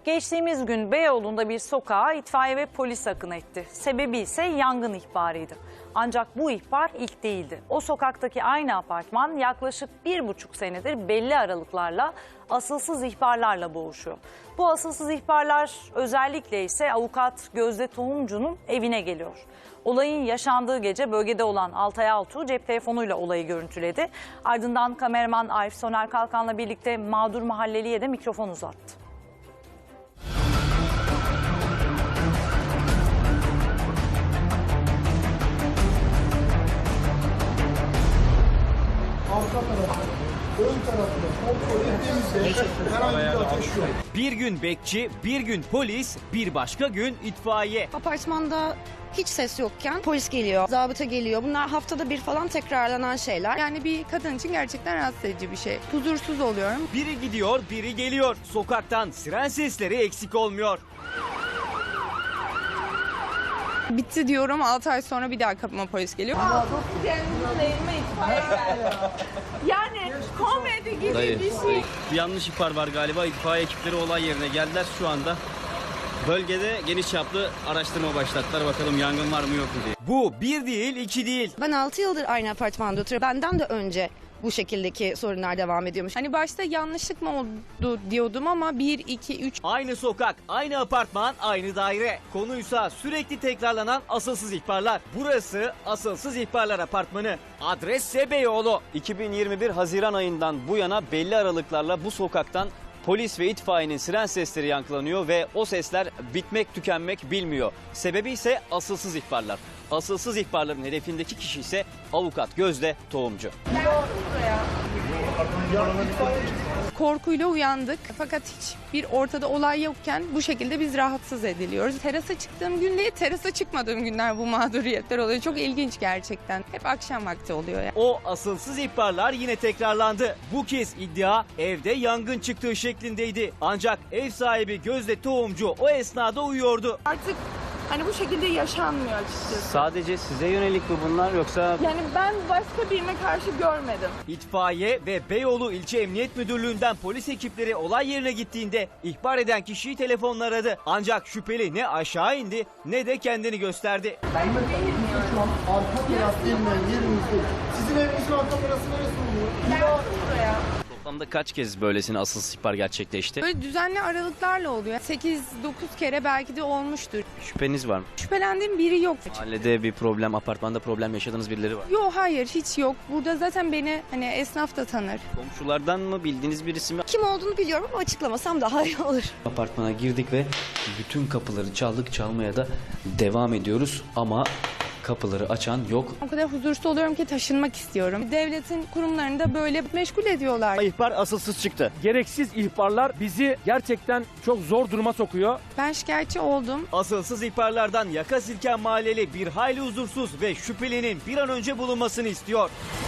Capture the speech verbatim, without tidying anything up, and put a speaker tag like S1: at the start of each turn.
S1: Geçtiğimiz gün Beyoğlu'nda bir sokağa itfaiye ve polis akın etti. Sebebi ise yangın ihbarıydı. Ancak bu ihbar ilk değildi. O sokaktaki aynı apartman yaklaşık bir buçuk senedir belli aralıklarla asılsız ihbarlarla boğuşuyor. Bu asılsız ihbarlar özellikle ise avukat Gözde Tohumcu'nun evine geliyor. Olayın yaşandığı gece bölgede olan Altay Altuğ cep telefonuyla olayı görüntüledi. Ardından kameraman Arif Soner Kalkan'la birlikte mağdur mahalleliye de mikrofon uzattı.
S2: Arka tarafı, ön tarafı, kontrol ettiğimizde herhangi bir ateş yok.
S3: Bir gün bekçi, bir gün polis, bir başka gün itfaiye.
S4: Apartmanda hiç ses yokken polis geliyor, zabıta geliyor. Bunlar haftada bir falan tekrarlanan şeyler.
S5: Yani bir kadın için gerçekten rahatsız edici bir şey. Huzursuz oluyorum.
S3: Biri gidiyor, biri geliyor. Sokaktan siren sesleri eksik olmuyor.
S5: Bitti diyorum, altı ay sonra bir daha kapıma polis geliyor. Yani komedi gibi
S6: Dayı,
S5: bir şey.
S6: dayı. Bir yanlış ihbar var galiba. İtfaiye ekipleri olay yerine geldiler şu anda. Bölgede geniş çaplı araştırma başlattılar. Bakalım yangın var mı yok mu diye.
S3: Bu bir değil, iki değil.
S4: Ben altı yıldır aynı apartmanda oturuyorum. Benden de önce bu şekildeki sorunlar devam ediyormuş.
S5: Hani başta yanlışlık mı oldu diyordum ama bir, iki, üç.
S3: Aynı sokak, aynı apartman, aynı daire. Konuysa sürekli tekrarlanan asılsız ihbarlar. Burası asılsız ihbarlar apartmanı. Adres ise Beyoğlu.
S6: iki bin yirmi bir Haziran ayından bu yana belli aralıklarla bu sokaktan polis ve itfaiyenin siren sesleri yankılanıyor ve o sesler bitmek tükenmek bilmiyor. Sebebi ise asılsız ihbarlar. Asılsız ihbarların hedefindeki kişi ise avukat Gözde Tohumcu.
S5: Korkuyla uyandık fakat hiçbir ortada olay yokken bu şekilde biz rahatsız ediliyoruz. Terasa çıktığım gün değil, terasa çıkmadığım günler bu mağduriyetler oluyor. Çok ilginç gerçekten. Hep akşam vakti oluyor ya.
S3: O asılsız ihbarlar yine tekrarlandı. Bu kez iddia evde yangın çıktığı şeklindeydi. Ancak ev sahibi Gözde Tohumcu o esnada uyuyordu.
S5: Artık hani bu şekilde yaşanmıyor açıkçası.
S6: Sadece size yönelik mi bunlar yoksa...
S5: Yani ben başka birine karşı görmedim.
S3: İtfaiye ve Beyoğlu İlçe Emniyet Müdürlüğü'nden polis ekipleri olay yerine gittiğinde ihbar eden kişiyi telefonla aradı. Ancak şüpheli ne aşağı indi ne de kendini gösterdi.
S2: Şu an arka taraf denilen yerimizde. Sizin evinizin arka tarafı neresi oluyor?
S5: Buraya.
S6: Toplamda kaç kez böylesine asılsız ihbar gerçekleşti?
S5: Böyle düzenli aralıklarla oluyor. sekiz dokuz kere belki de olmuştur.
S6: Şüpheniz var mı?
S5: Şüphelendiğim biri yok.
S6: Mahallede bir problem, apartmanda problem yaşadığınız birileri var.
S5: Yok hayır hiç yok. Burada zaten beni hani esnaf da tanır.
S6: Komşulardan mı, bildiğiniz birisi mi?
S4: Kim olduğunu biliyorum ama açıklamasam daha iyi olur.
S7: Apartmana girdik ve bütün kapıları çaldık, çalmaya da devam ediyoruz ama kapıları açan yok.
S5: O kadar huzursuz oluyorum ki taşınmak istiyorum. Devletin kurumlarını da böyle meşgul ediyorlar.
S3: İhbar asılsız çıktı.
S8: Gereksiz ihbarlar bizi gerçekten çok zor duruma sokuyor.
S5: Ben şikayetçi oldum.
S3: Asılsız ihbarlardan yaka silken mahalleli bir hayli huzursuz ve şüphelinin bir an önce bulunmasını istiyor.